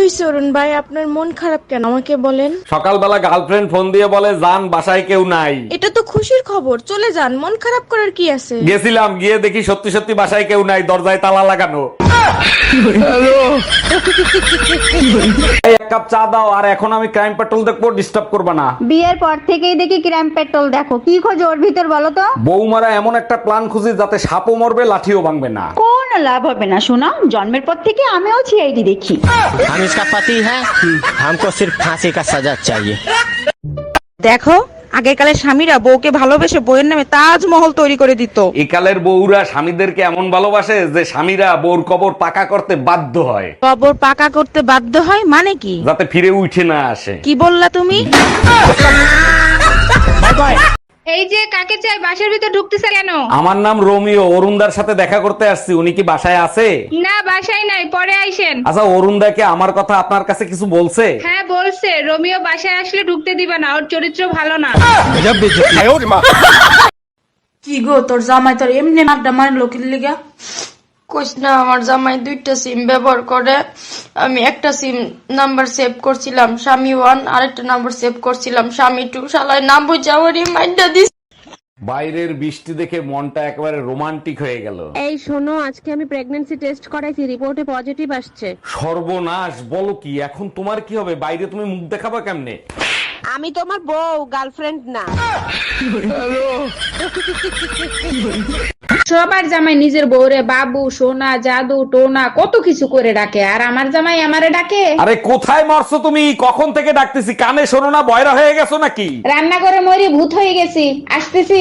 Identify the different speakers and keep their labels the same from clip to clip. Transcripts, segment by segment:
Speaker 1: হয়েছে অরুণ ভাই, আপনার মন খারাপ কেন আমাকে বলেন।
Speaker 2: সকালবেলা গার্লফ্রেন্ড ফোন দিয়ে বলে জান বাসায় কেউ নাই।
Speaker 1: এটা তো খুশির খবর, চলে যান, মন খারাপ করার কি আছে।
Speaker 2: গেছিলাম, গিয়ে দেখি সত্যি সত্যি বাসায় কেউ নাই, দরজায় তালা লাগানো। এই, এক কাপ চা দাও। আর এখন আমি ক্রাইম পেট্রোল দেখবো, ডিস্টার্ব করবে না।
Speaker 3: বিয়ের পর থেকেই দেখি ক্রাইম পেট্রোল দেখো, কি খোঁজ ওর ভিতর বলো তো?
Speaker 2: বৌমারা এমন একটা প্ল্যান খুঁজি যাতে সাপও মরবে লাঠিও ভাঙবে না।
Speaker 3: কোন লাভ হবে না শোনা, জন্মের পর থেকে আমিও সিআইডি দেখি।
Speaker 4: हम इसका पति है, हमको सिर्फ फांसी का सजा चाहिए।
Speaker 5: দেখো, আগেকালের স্বামীরা বউকে ভালোবেসে বউয়ের নামে তাজমহল তৈরি করে দিত।
Speaker 2: একালের বউরা স্বামীদেরকে এমন ভালোবাসে যে স্বামীরা বউর কবর পাকা করতে বাধ্য হয়।
Speaker 5: কবর পাকা করতে বাধ্য হয় মানে কি?
Speaker 2: যাতে ফিরে উঠে না আসে।
Speaker 5: কি বললা তুমি?
Speaker 6: এই যে কাকে চাই, বাসার ভিতর ঢুকতেছে কেন?
Speaker 2: আমার নাম রোমিও, অরুণদার সাথে দেখা করতে আসছি। উনি কি বাসায় আছে?
Speaker 6: না, বাসায় নাই, পরে আইসেন।
Speaker 2: আচ্ছা, অরুণদাকে আমার কথা আপনার কাছে কিছু বলছে?
Speaker 6: হ্যাঁ বলছে, রোমিও বাসায় আসলে ঢুকতে দিবে না, ওর চরিত্র ভালো না।
Speaker 7: কি গো, তোর জামাই তোর এমনি আড্ডা মারলো কি লিগা?
Speaker 8: কইস না, আমার জামাই দুইটা সিম ব্যবহার করে। আমি একটা সিম নাম্বার সেভ করছিলাম স্বামী 1, আরেকটা নাম্বার সেভ করছিলাম স্বামী 2। শালায় নাম বুঝাওয়ারই মাইন্ডা দিস।
Speaker 2: বাইরের বৃষ্টি দেখে মনটা একেবারে রোমান্টিক হয়ে গেল।
Speaker 9: এই শোনো, আজকে আমি প্রেগন্যান্সি টেস্ট করাইছি, রিপোর্টে পজিটিভ আসছে।
Speaker 2: সর্বনাশ, বলো কি? এখন তোমার কি হবে? বাইরে তুমি মুখ দেখাবা কেমনে?
Speaker 5: আমি তোমার বউ, গার্লফ্রেন্ড না।
Speaker 6: সবার জামাই নিজের বউরে বাবু, সোনা, জাদু, টোনা কত কিছু করে ডাকে, আর আমার জামাই আমারে ডাকে।
Speaker 2: আরে কোথায় মরছো তুমি? কখন থেকে ডাকতেছি, কানে শোনো না? বয়রা হয়ে গেছো নাকি?
Speaker 6: রান্না করে মরি ভূত হয়ে গেছি, আসতেছি।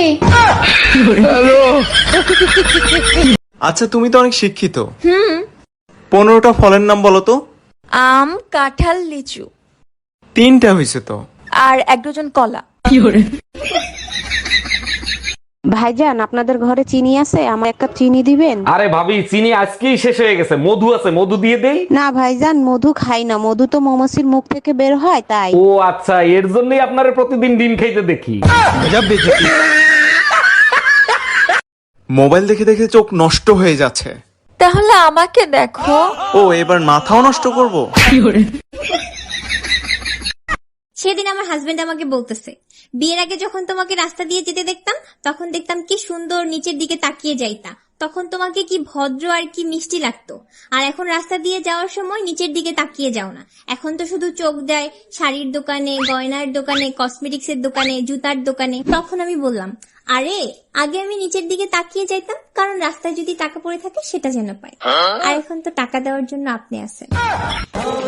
Speaker 10: আচ্ছা, তুমি তো অনেক শিক্ষিত। 15টা ফলের নাম বলো তো।
Speaker 1: আম, কাঁঠাল, লিচু,
Speaker 10: 3টা হয়েছে তো।
Speaker 1: আর 1 ডজন কলা।
Speaker 9: ভাইজান, আপনাদের ঘরে চিনি আছে? আমার 1 কাপ চিনি দিবেন?
Speaker 2: আরে ভাবি, চিনি আজকেই শেষ হয়ে গেছে। মধু আছে, মধু দিয়ে দেই?
Speaker 9: না ভাইজান, মধু খাই না, মধু তো মৌমাছির মুখ থেকে বের হয় তাই।
Speaker 2: ও আচ্ছা, এর জন্যই আপনারে প্রতিদিন ডিম খাইতে দেখি।
Speaker 10: মোবাইল দেখে দেখে চোখ নষ্ট হয়ে যাচ্ছে।
Speaker 1: তাহলে আমাকে দেখো।
Speaker 10: ও, এবার মাথাও নষ্ট করব?
Speaker 11: সেদিন আমার হাজবেন্ড আমাকে বলতেছে, বিয়ের আগে যখন তোমাকে রাস্তা দিয়ে যেতে দেখতাম তখন দেখতাম কি সুন্দর নিচের দিকে তাকিয়ে যাইতা, তখন তোমাকে কি ভদ্র আর কি মিষ্টি লাগতো, আর এখন রাস্তা দিয়ে যাওয়ার সময় নিচের দিকে তাকিয়ে যাও না, এখন তো শুধু চোখ দেয় শাড়ির দোকানে, গয়নার দোকানে, কসমেটিক্স এর দোকানে, জুতার দোকানে। তখন আমি বললাম, আরে আগে আমি নিচের দিকে তাকিয়ে যাইতাম কারণ রাস্তায় যদি টাকা পড়ে থাকে সেটা যেন পাই, আর এখন তো টাকা দেওয়ার জন্য আপনি আছেন।